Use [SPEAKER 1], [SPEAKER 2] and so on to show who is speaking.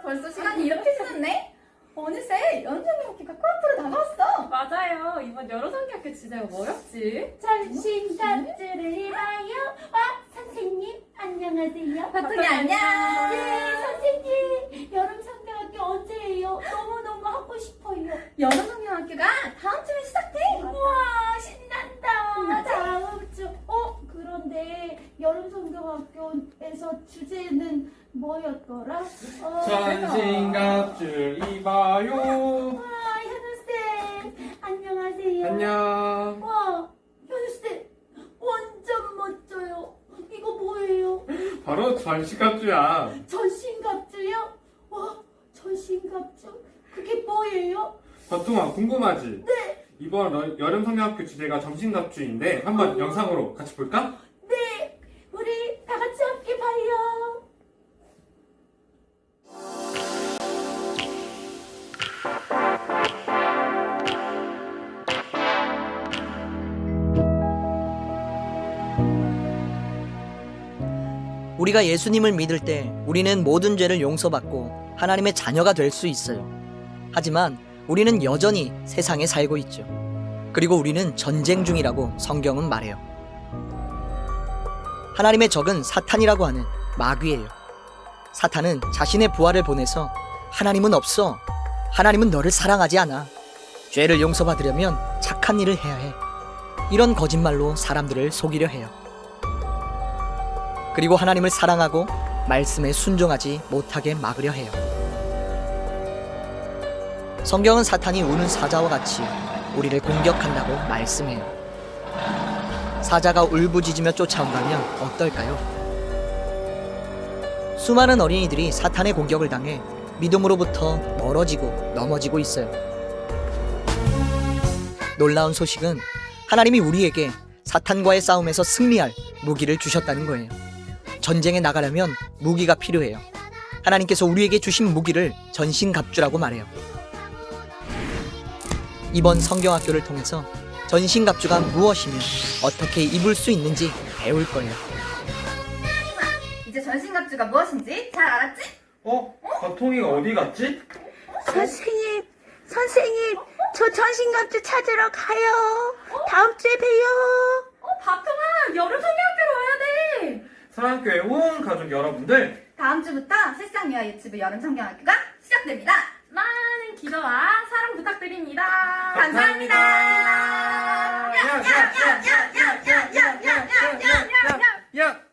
[SPEAKER 1] 벌써 시간이 이렇게 지났네? 어느새 연상학교가 코앞으로 다가왔어.
[SPEAKER 2] 맞아요. 이번 여러성기학교 주제가 뭐였지?
[SPEAKER 3] 전신갑주를 봐요. 선생님 안녕하세요.
[SPEAKER 1] 바통이 안녕.
[SPEAKER 3] 네, 선생님. 여름성경학교 언제예요? 너무너무 하고 싶어요.
[SPEAKER 1] 여름성경학교가 다음 주에 시작돼.
[SPEAKER 3] 우와, 신난다. 다음 주. 그런데 여름성경학교에서 주제는 뭐였더라?
[SPEAKER 4] 전신갑줄 입어요.
[SPEAKER 3] 현우쌤. 안녕하세요.
[SPEAKER 4] 안녕.
[SPEAKER 3] 와, 현우쌤. 완전 멋져요. 이거 뭐예요?
[SPEAKER 4] 바로 전신갑주야.
[SPEAKER 3] 전신갑주요? 와, 전신갑주? 그게 뭐예요?
[SPEAKER 4] 보통아 궁금하지?
[SPEAKER 3] 네.
[SPEAKER 4] 이번 여름성경학교 주제가 전신갑주인데 한번 영상으로 같이 볼까?
[SPEAKER 3] 네. 우리 다 같이 함께 봐요.
[SPEAKER 5] 우리가 예수님을 믿을 때 우리는 모든 죄를 용서받고 하나님의 자녀가 될 수 있어요. 하지만 우리는 여전히 세상에 살고 있죠. 그리고 우리는 전쟁 중이라고 성경은 말해요. 하나님의 적은 사탄이라고 하는 마귀예요. 사탄은 자신의 부하를 보내서 하나님은 없어. 하나님은 너를 사랑하지 않아. 죄를 용서받으려면 착한 일을 해야 해. 이런 거짓말로 사람들을 속이려 해요. 그리고 하나님을 사랑하고 말씀에 순종하지 못하게 막으려 해요. 성경은 사탄이 우는 사자와 같이 우리를 공격한다고 말씀해요. 사자가 울부짖으며 쫓아온다면 어떨까요? 수많은 어린이들이 사탄의 공격을 당해 믿음으로부터 멀어지고 넘어지고 있어요. 놀라운 소식은 하나님이 우리에게 사탄과의 싸움에서 승리할 무기를 주셨다는 거예요. 전쟁에 나가려면 무기가 필요해요. 하나님께서 우리에게 주신 무기를 전신갑주라고 말해요. 이번 성경학교를 통해서 전신갑주가 무엇이며 어떻게 입을 수 있는지 배울 거예요.
[SPEAKER 1] 이제 전신갑주가 무엇인지 잘 알았지?
[SPEAKER 4] 바통이가 어디 갔지?
[SPEAKER 3] 선생님, 저 전신갑주 찾으러 가요. 다음 주에 봬요.
[SPEAKER 2] 바통아, 여름성기학교로 와야 돼.
[SPEAKER 4] 사랑교회 온 가족 여러분들,
[SPEAKER 1] 다음 주부터 실상미화 유튜브 여름성경학교가 시작됩니다.
[SPEAKER 2] 많은 기도와 사랑 부탁드립니다.
[SPEAKER 1] 감사합니다.
[SPEAKER 4] 야야야야야야야야야야야